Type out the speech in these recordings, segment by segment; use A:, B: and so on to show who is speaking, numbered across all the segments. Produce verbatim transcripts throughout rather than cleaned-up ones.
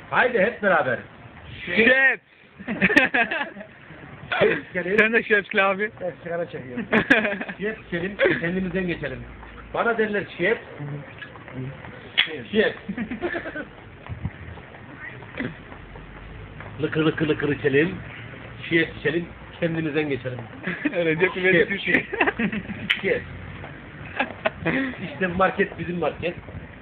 A: Haydi hep beraber.
B: Şef. Sen de şefsli abi.
C: Ben sigara çekiyorum.
A: Şef içelim, kendimizden geçelim. Bana derler şef. Şef. Lıkır lıkır lıkır içelim. Şef içelim, kendimizden geçelim.
B: Recep İvedik Türkiye.
A: Şef. İşte market bizim market.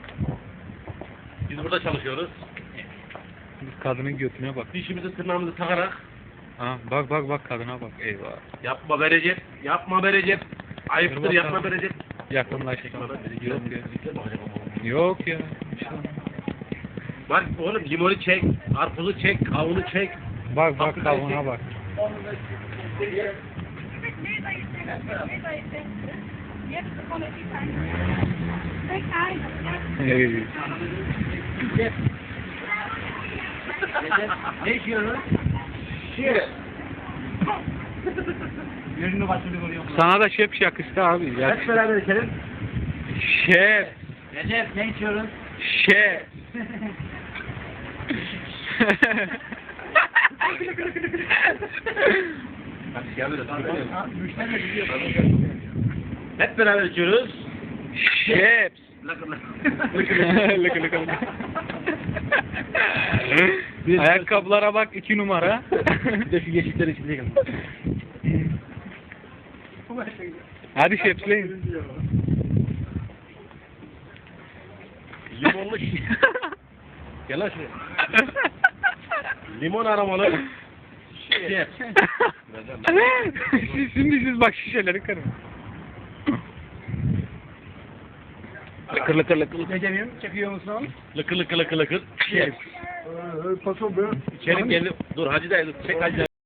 A: Biz burada çalışıyoruz.
B: Biz kadının götüne bak.
A: Dişimizi tırnağımızı takarak
B: Ha, bak bak bak kadına bak. Eyvah.
A: yapma be Recep, yapma be Recep. Ayıptır
B: Dur
A: yapma be
B: bakalım.
A: Recep.
B: Yakınlaştım. Yok ya. Yok ya.
A: Bak oğlum limonu çek, karpuzu çek, kavunu çek.
B: Bak bak kavuna bak. Ey.
C: Ne içiyorsun?
A: Şef.
C: Yüzünü başını görüyorum.
B: Sana da şef yakıştı abi.
A: Hep
B: Yakıştı.
A: beraber içelim.
B: Şef.
C: Recep ne içiyorsun?
B: Şef.
A: Hadi gel böyle.
C: Müşteri de biliyor.
A: Hep beraber içiyoruz.
B: Şef.
A: Lakır lakır.
B: Lıkı lıkı lıkı. Ayakkabılara bak iki numara.
A: Bir de şu yeşillerin içinde gel.
B: Hadi şefleyin.
A: Limonlu şi- Gel lan şuraya. Limon aromalı. Şef.
B: siz, şimdi siz bak şişeleri kırın. Lıkır lıkır lıkır.
C: Recep'im çekiyor musun?
A: Lıkır lıkır lıkır lıkır. Şef.
C: Paso be.
A: İçelim gelin. Dur Hacı dayı dur. Çek Hacı dayı.